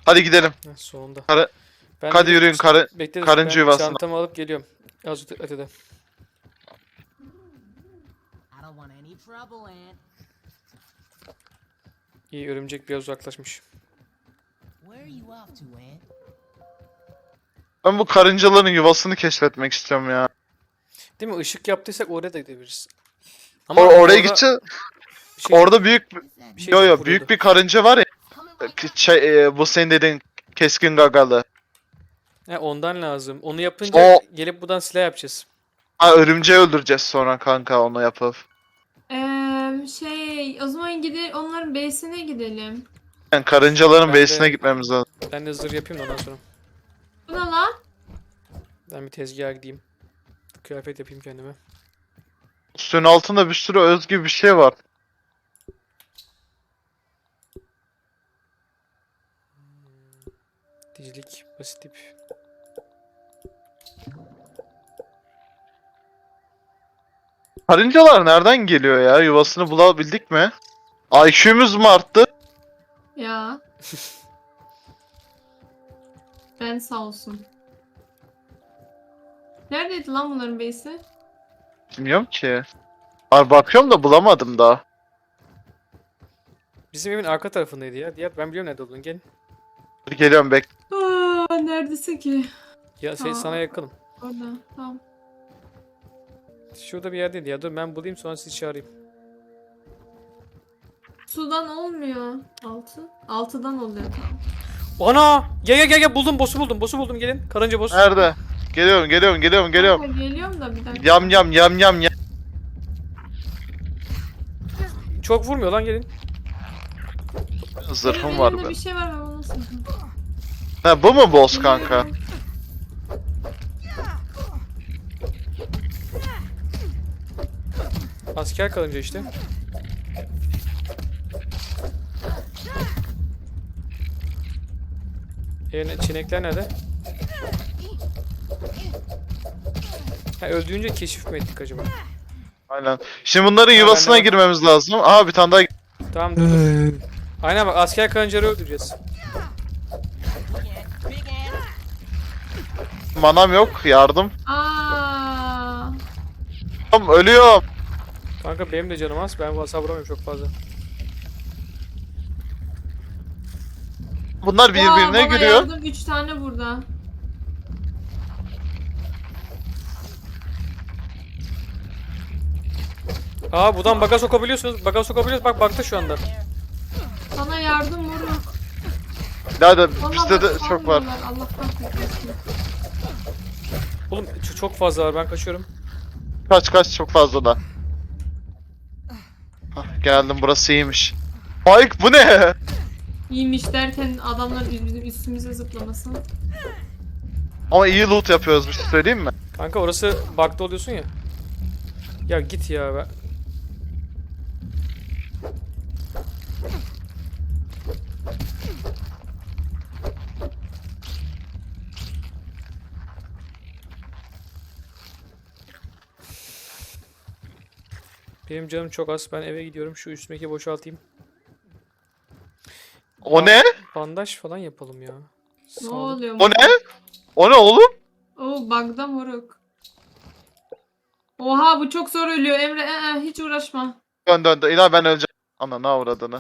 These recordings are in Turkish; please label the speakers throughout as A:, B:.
A: Hadi gidelim.
B: Heh, sonunda.
A: Karı,
B: Ben
A: hadi
B: de
A: yürüyün
B: bekleriz.
A: karınca
B: Ben
A: yuvasına.
B: çantamı alıp geliyorum. Azıcık ötede.
C: I don't want any trouble, Aunt.
B: İyi, örümcek biraz uzaklaşmış.
C: Where are you off to, Aunt?
A: Ben bu karıncaların yuvasını keşfetmek istiyorum ya.
B: Değil mi? Işık yaptıysak oraya da gidebiliriz. Ama
A: Oraya
B: orada
A: gideceğiz.
B: bir şey,
A: Orada büyük
B: bir şey
A: yo
B: çok
A: yo
B: vuruyordu.
A: büyük bir karınca var ya.
C: Coming right up.
A: Bu senin dediğin keskin gagalı.
B: He, ondan lazım. Onu yapınca gelip buradan silah yapacağız.
A: Ha, örümceği öldüreceğiz sonra kanka onu yapıp.
D: O zaman onların base'ine gidelim.
A: Yani karıncaların
B: Ben de-
A: base'ine gitmemiz lazım.
B: Ben de zırh yapayım da ondan sonra.
D: Bu ne lan?
B: Ben bir tezgaha gideyim. Kıyafet yapayım kendime.
A: Suyun altında bir sürü özgü bir şey var.
B: Dizilik, basit tip.
A: Karıncalar nereden geliyor ya? Yuvasını bulabildik mi? IQ'muz mu arttı?
D: Ya. Ben sağ olsun. Neredeydi lan bunların base'i?
A: Bilmiyorum ki. Abi bakıyorum da bulamadım daha.
B: Bizim evin arka tarafındaydı ya. Diğer ben biliyorum nerede olduğunu. Gel.
A: Dur geliyorum bek.
D: Neredesin ki?
B: Ya sana yakınım.
D: Orada. Tamam.
B: Şurada bir yerdeydi ya. Dur ben bulayım sonra sizi çağırayım.
D: Sudan olmuyor. Altıdan oluyor. Tamam.
B: Ana! Gel buldum, boss'u buldum gelin. Karınca boss.
A: Nerede? Geliyorum.
D: Kanka, geliyorum da bir dakika.
A: Yam.
B: Çok vurmuyor lan, gelin.
A: Zırhım
D: Benim
A: var
D: elimde
A: be.
D: bir şey var ben onu nasıl?
A: Ha bu mu boss kanka?
B: Asker karınca işte. Çinekler nerede? Ha, öldüğünce keşif mi ettik acaba?
A: Aynen. Şimdi bunların yuvasına
B: bende var.
A: girmemiz lazım. Aha bir tane daha.
B: Tamam dur. Aynen bak, asker karıncaları öldüreceğiz.
C: Big Aunt.
A: Manam yok. Yardım.
D: Aa.
A: Tamam ölüyorum.
B: Kanka benim de canım az. Ben hasar vuramıyorum çok fazla.
A: Bunlar birbirine
D: Bana
A: giriyor.
D: yardım 3 tane burada.
B: Aa, buradan baga sokabiliyorsunuz. Baga sokabiliyoruz. Bak baktı şu anda.
D: Sana yardım vurun.
A: Daha da
D: Vallahi
A: bizde de
D: bak,
A: çok var.
D: salmıyorlar, Allah'tan korkmasın.
B: Oğlum çok fazla var. Ben kaçıyorum.
A: Kaç çok fazla da. Hah, geldim burası iyiymiş. Mike bu ne?
D: İyiymiş derken adamlar bizim üstümüze zıplamasın.
A: Ama iyi loot yapıyoruz bir şey söyleyeyim mi?
B: Kanka orası bug'da oluyorsun ya. Ya git ya be. Benim canım çok az. Ben eve gidiyorum. Şu üstümdeki boşaltayım.
A: O ne?
B: Bandaj falan yapalım ya.
D: Ne
B: Sağlık.
D: oluyor?
A: O ne? O ne oğlum?
D: Oo, bug'da moruk. Oha, bu çok zor ölüyor Emre. Hiç uğraşma.
A: Dön. İnan ben öleceğim. Ana ne avradını.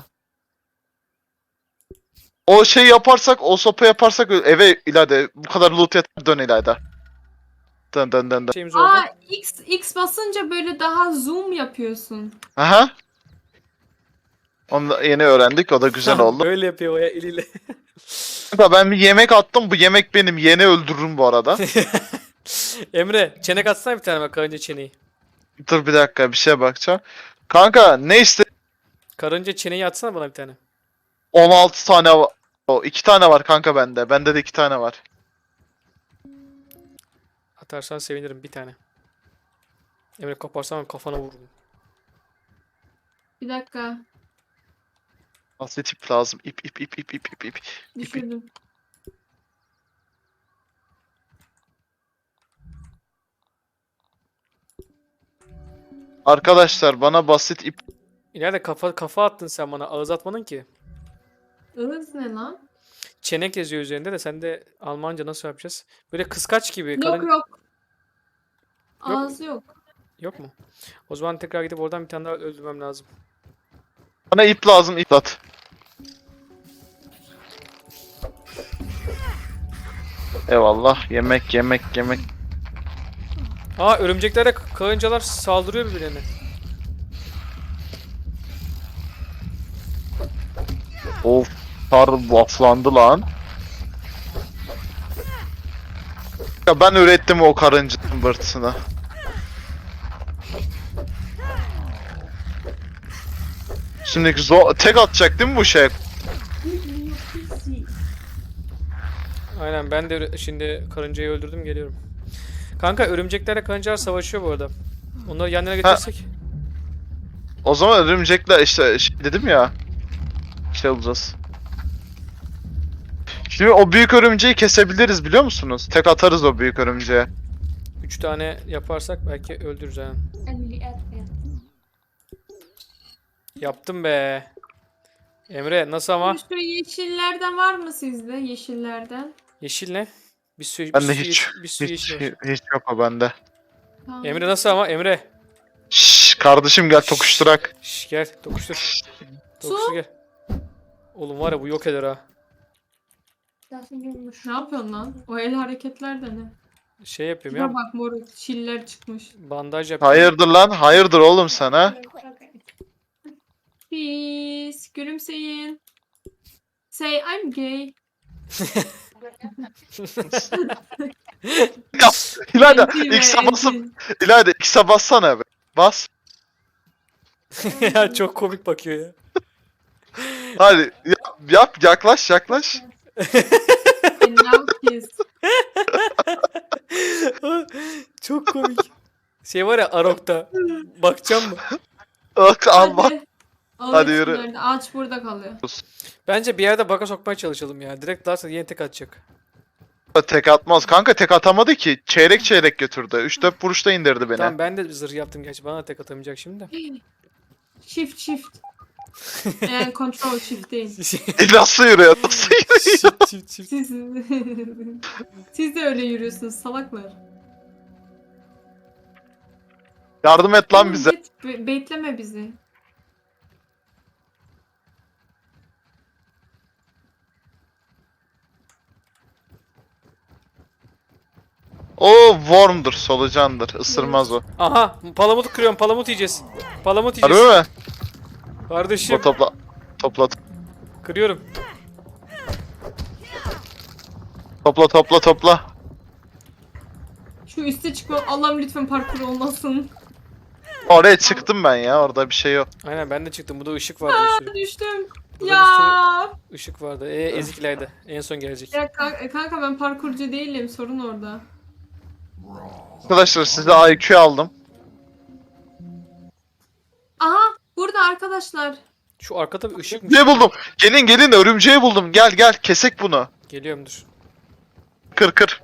A: O şey yaparsak, o sopa yaparsak eve ileride bu kadar loot yeter dön ileride. Dön.
B: Şeyimiz oldu.
D: Aa, X basınca böyle daha zoom yapıyorsun.
A: Aha. Onu da yeni öğrendik o da güzel oldu.
B: Böyle yapıyor o ya eliyle.
A: Kanka ben bir yemek attım bu yemek benim yeni öldürürüm bu arada.
B: Emre çenek atsana bir tane bak, karınca çeneyi.
A: Dur bir dakika bir şeye bakacağım. Kanka ne iste?
B: Karınca çeneyi atsana bana bir tane.
A: 16 tane var. O 2 tane var kanka bende. Bende de 2 tane var.
B: Atarsan sevinirim, bir tane. Emre koparsan kafana vururum.
D: Bir dakika.
A: Nasıl tip lazım? İp.
D: Düşürdüm.
A: Arkadaşlar bana basit ip.
B: İleride kafa attın sen bana, ağız atmadın ki.
D: Ihız ne lan?
B: çenek yazıyor üzerinde de sen de Almanca nasıl yapacağız? Böyle kıskaç gibi.
D: Yok
B: Kalın...
D: yok. Ağzı yok.
B: Yok mu? O zaman tekrar gidip oradan bir tane daha öldürmem lazım.
A: Bana ip lazım, ip at. Eyvallah. Yemek, yemek, yemek.
B: Aa, örümceklere karıncalar saldırıyor birbirlerine.
A: Of. Kar bufflandı lan. Ya ben ürettim o karınca bırtısını. Şimdi tek atacak değil mi bu şey?
B: Aynen, ben de şimdi karıncayı öldürdüm, geliyorum. Kanka örümceklerle karıncalar savaşıyor bu arada. Onları yan yana getirsek.
A: O zaman örümcekler işte dedim ya. Şey olacağız. Şimdi o büyük örümceği kesebiliriz biliyor musunuz? Tek atarız o büyük örümceğe.
B: 3 tane yaparsak belki öldürürüz yani. Yaptım be. Emre nasıl ama?
D: Şu yeşillerden var mı sizde? Yeşillerden.
B: Yeşil ne? Bir sürü,
A: Bende
B: bir sürü
A: hiç
B: yeşil, bir sürü
A: hiç
B: yeşil var.
A: hiç yok o bende.
D: Tamam.
B: Emre nasıl ama? Emre.
A: Şşş kardeşim gel tokuşturak.
B: Şş, gel dokuştur. Dokuştur gel. Oğlum var ya, bu yok eder ha.
D: Ne yapıyorsun lan? O el hareketler de ne?
B: Şey yapıyorum
D: Şuna
B: ya.
D: bak moruk. Çiller çıkmış.
B: Bandaj yapıyorum.
A: Hayırdır lan? Hayırdır oğlum sana?
D: Peace. Gülümseyin. Say I'm gay.
A: Ya İlayda
D: Enti be,
A: X'e basıp
D: enti.
A: İlayda X'e bassana be. Bas.
B: Ya çok komik bakıyor ya.
A: Hadi yap yaklaş yaklaş.
D: And now kiss.
B: Çok komik. Şey var ya, Arok'ta. Bakacağım mı?
A: Bak al bak.
D: Hadi.
A: Hadi yürü.
D: Nerede? Ağaç burada kalıyor.
B: Bence bir yerde baka sokmaya çalışalım ya. Direkt darsa yeni tek atacak.
A: Tek atmaz. Kanka tek atamadı ki. Çeyrek çeyrek götürdü. 3-4 vuruşta indirdi beni.
B: Tamam, ben de zırh yaptım gerçi. Bana da tek atamayacak şimdi de.
D: Shift. Yani control shift değil.
A: Nasıl yürüyor? Nasıl yürüyor?
B: Çift.
D: Siz, siz de öyle yürüyorsunuz salaklar.
A: Yardım et lan
D: Oğlum,
A: bize.
D: Bekleme bizi.
A: O worm'dur, solucandır. Isırmaz o.
B: Aha, palamut kırıyorum. Palamut yiyeceğiz. Palamut
A: Harbi
B: yiyeceğiz.
A: mi?
B: Kardeşim,
A: Topla. Topla.
B: kırıyorum.
A: Topla.
D: Şu üste çıkma. Allah'ım lütfen parkur olmasın.
A: Oraya çıktım ben ya. Orada bir şey yok.
B: Aynen, ben de çıktım. Burada ışık vardı bir sürü.
D: Düştüm.
B: Burada
D: Ya.
B: Işık vardı. Eziklerde. En son gelecek.
D: Ya kanka ben parkurcu değilim. Sorun orada.
A: Arkadaşlar size IQ aldım.
D: Aha burada arkadaşlar.
B: Şu arkada bir ışık mı?
A: Ne buldum? Gelin örümceği buldum. Gel kesek bunu.
B: Geliyorum, dur.
A: Kır.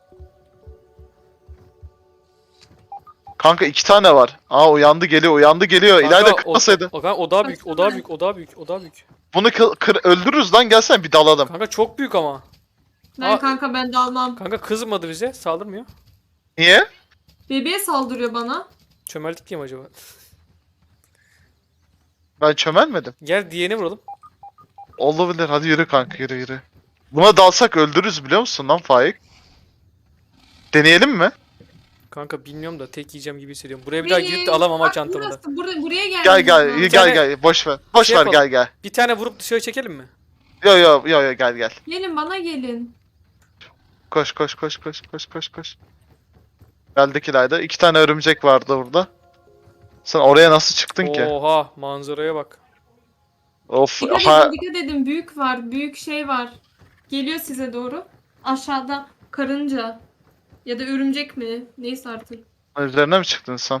A: Kanka 2 tane var. Aa uyandı geliyor. İlayda
B: Kanka,
A: kırmasaydı.
B: O daha büyük. O daha büyük.
A: Bunu öldürürüz lan, gelsene bir dalalım.
B: Kanka çok büyük ama.
D: Ben kanka ben de almam.
B: Kanka kızmadı bize. Saldırmıyor.
A: Niye?
D: Bebeğe saldırıyor bana.
B: Çömeldik diye mi acaba?
A: Ben çömelmedim.
B: Gel diğerini vuralım.
A: Olabilir. Hadi yürü kanka, yürü. Buna dalsak öldürürüz biliyor musun lan Faik? Deneyelim mi?
B: Kanka bilmiyorum da tek yiyeceğim gibi hissediyorum. Buraya bir daha girip de alamam ha çantamı da.
D: Buraya gel.
A: Gel. Boş ver. Boş
B: Şey
A: ver,
B: yapalım.
A: gel.
B: Bir tane vurup dışarı çekelim mi?
A: Yo gel.
D: Gelin bana gelin.
A: Koş. Geldik İlayda. 2 tane örümcek vardı burada. Sen oraya nasıl çıktın ki?
B: Oha, manzaraya bak.
A: Of.
D: Dikkat edin büyük var. Büyük şey var. Geliyor size doğru. Aşağıda karınca. Ya da örümcek mi? Neyse artık.
A: Üzerine mi çıktın sen?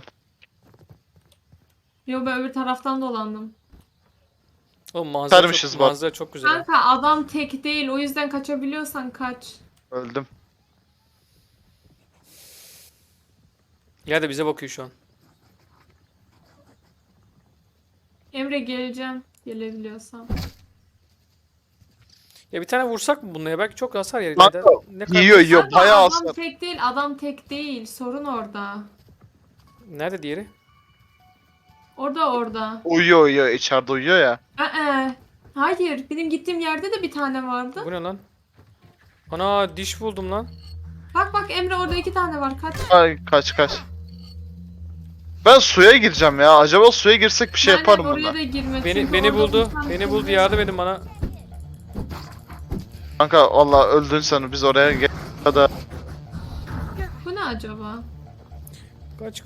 D: Yo ben öbür taraftan dolandım.
B: Oğlum manzara
A: Sarmışız
B: çok,
A: bak.
B: manzara çok güzel. ha.
D: Kanka adam tek değil. O yüzden kaçabiliyorsan kaç.
A: Öldüm.
B: Ya da bize bakıyor şu an.
D: Emre geleceğim. Gelebiliyorsam.
B: Ya bir tane vursak mı bununla ya? Belki çok hasar yer.
A: Kanka,
B: Ne kadar-
A: yiyor
D: Kanka,
A: bayağı
D: adam
A: hasar.
D: tek değil, adam tek değil. Sorun orada.
B: Nerede diğeri?
D: Orada.
A: Uyuyor içeride uyuyor ya.
D: Hayır, benim gittiğim yerde de bir tane vardı.
B: Bu ne lan? Ana diş buldum lan.
D: Bak Emre, orada 2 tane var. Kaç.
A: Ay kaç. Ben suya gireceğim ya. Acaba suya girsek bir şey
D: Ben de
A: yaparım
D: oraya
A: bundan.
D: da girme.
B: Beni
D: çünkü
B: beni
D: orada
B: buldu.
D: bir tane
B: Beni
D: kız
B: buldu.
D: var.
B: Yardım edin bana.
A: Kanka valla öldün sen, biz oraya gel. Da
D: Bu ne acaba?
B: Kaç.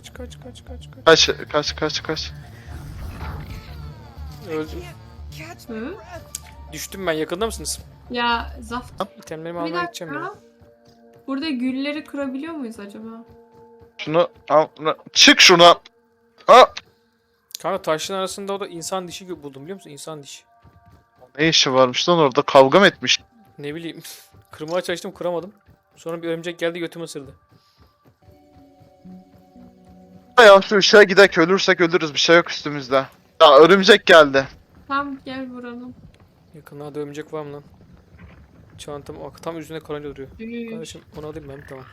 A: kaç.
B: Öldüm.
D: Hı?
B: Düştüm ben. Yakında mısınız?
D: Ya Zaft.
B: İtemlerimi
D: Bir
B: almaya gideceğim ya.
D: dakika. Burada gülleri kırabiliyor muyuz acaba?
A: Şunu al. Çık şuna. Ha.
B: Kanka taşların arasında o da insan dişi buldum biliyor musun? İnsan dişi.
A: Ne işi varmış lan orada, kavga mı etmiş?
B: Ne bileyim. Kırmaya çalıştım kıramadım. Sonra bir örümcek geldi götümü ısırdı.
A: Ya şu ışığa gidek, ölürsek ölürüz, bir şey yok üstümüzde. Ya örümcek geldi.
D: Tamam, gel vuralım.
B: Yakınlarda örümcek var mı lan? Çantam tam üstünde karınca duruyor. Kardeşim onu alayım ben tamam.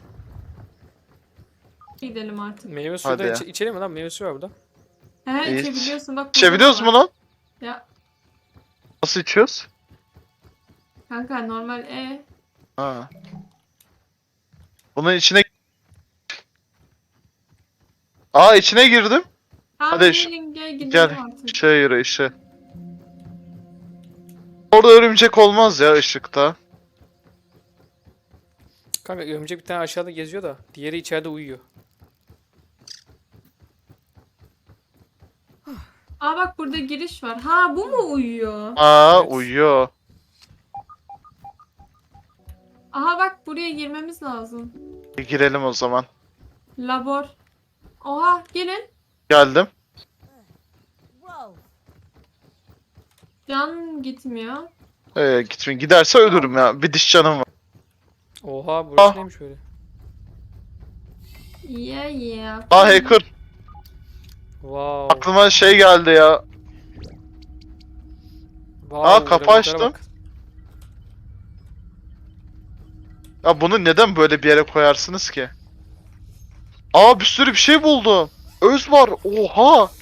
D: Gidelim artık.
B: Meyve suyu
A: Hadi
B: da
A: ya.
B: içelim mi lan? Meyve suyu var burada.
D: He,
A: İyi.
D: içebiliyorsun bak. burada
A: İçebiliyoruz
D: var.
A: mu lan?
D: Ya
A: Nasıl içiyoruz?
D: kanka normal
A: Ha. Bunun içine... Aa, içine girdim. Hadi
D: gel gidelim
A: Gel.
D: artık.
A: Şey yürü işe. Orada örümcek olmaz ya ışıkta.
B: Kanka örümcek bir tane aşağıda geziyor da diğeri içeride uyuyor.
D: Aa bak, burada giriş var. Ha, bu mu uyuyor?
A: Aa,
B: Evet.
A: uyuyor.
D: Aha bak, buraya girmemiz lazım.
A: Bir girelim o zaman.
D: Labor. Oha, gelin.
A: Geldim.
C: Whoa.
D: Can gitmiyor.
A: Gitmeyin. Giderse ölürüm ya. Bir diş canım var.
B: Oha burası
A: Ah.
B: neymiş böyle?
D: Yeah.
A: Aa, hacker.
B: Wow.
A: Aklıma şey geldi ya.
B: Wow,
A: Aa, kapı
B: grafiklere
A: açtım.
B: bak.
A: Ya bunu neden böyle bir yere koyarsınız ki? Aa, bir sürü bir şey buldum. Öz var. Oha.